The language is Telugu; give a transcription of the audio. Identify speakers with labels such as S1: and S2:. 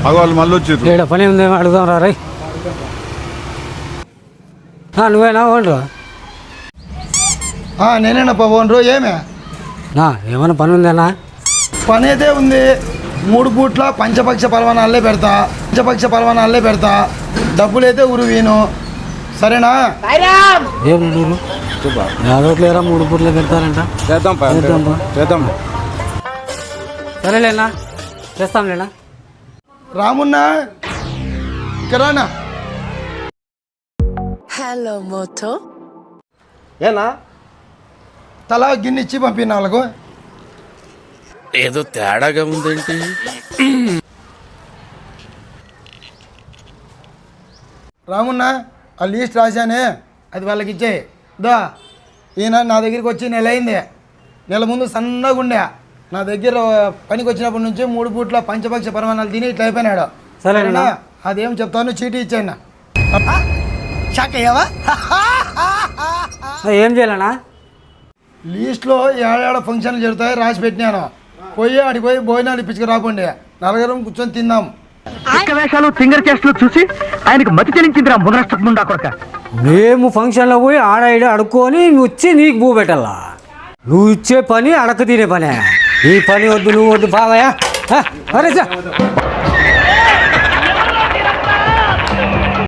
S1: వాళ్ళు మళ్ళీ వచ్చారు.
S2: ఇక్కడ పని ఉంది అడుగుదాం రా రై. నువ్వేనా ఓనరు?
S3: నేనేనప్ప ఓనరు. ఏమే
S2: ఏమైనా పని ఉందేనా?
S3: పని అయితే ఉంది. 3 పూట్ల పంచపక్ష పరవానాలే పెడతా. డబ్బులైతే ఉరువీను. సరేనా?
S2: ఏం నువ్వు యాదవట్లేరా 3 పూట్ల పెడతారంట.
S1: చేద్దాం.
S2: సరేలేనా, చేస్తాంలేనా.
S3: రామున్నా ఇక్కడనా?
S4: Hello Moto.
S3: ఏనా తలా గిన్నె ఇచ్చి పంపిన వాళ్ళకు.
S5: ఏదో తేడాగా ఉందేంటి?
S3: రామున్నా ఆ లీస్ట్ రాశానే, అది వాళ్ళకి ఇచ్చేయి. దా ఈయన నా దగ్గరికి వచ్చి నెల అయింది. నెల ముందు సన్నగా ఉండే. నా దగ్గర పనికి వచ్చినప్పటి నుంచి 3 పూట్ల పంచపక్ష పరమాణాలు తిని ఇట్లా అయిపోయినాడు.
S2: సరేనా?
S3: అదేం చెప్తాను, చీటీ ఇచ్చాను. షాక్ అయ్యావా?
S2: ఏం చేయాలనా?
S3: లీస్ట్లో ఏడాడ ఫంక్షన్లు జరుగుతాయి రాసి పెట్టినాను. ఆడికి పోయి భోజనాలు ఇప్పించుకు రాకండి. నలుగురం కూర్చొని తిందాం.
S6: వేషాలు ఫింగర్ చేస్ట్లు చూసి ఆయనకు మతి చెల్లించిందిరా మునరష్టముండా కొడక. మేము
S2: ఫంక్షన్లో పోయి ఆడ అడుక్కొని వచ్చి నీకు భూ పెట్టాలా? నువ్వు ఇచ్చే పని అడక తినే పనే. ఈ పని వద్దు, నువ్వు వద్దు బావయ్యా. అరే సార్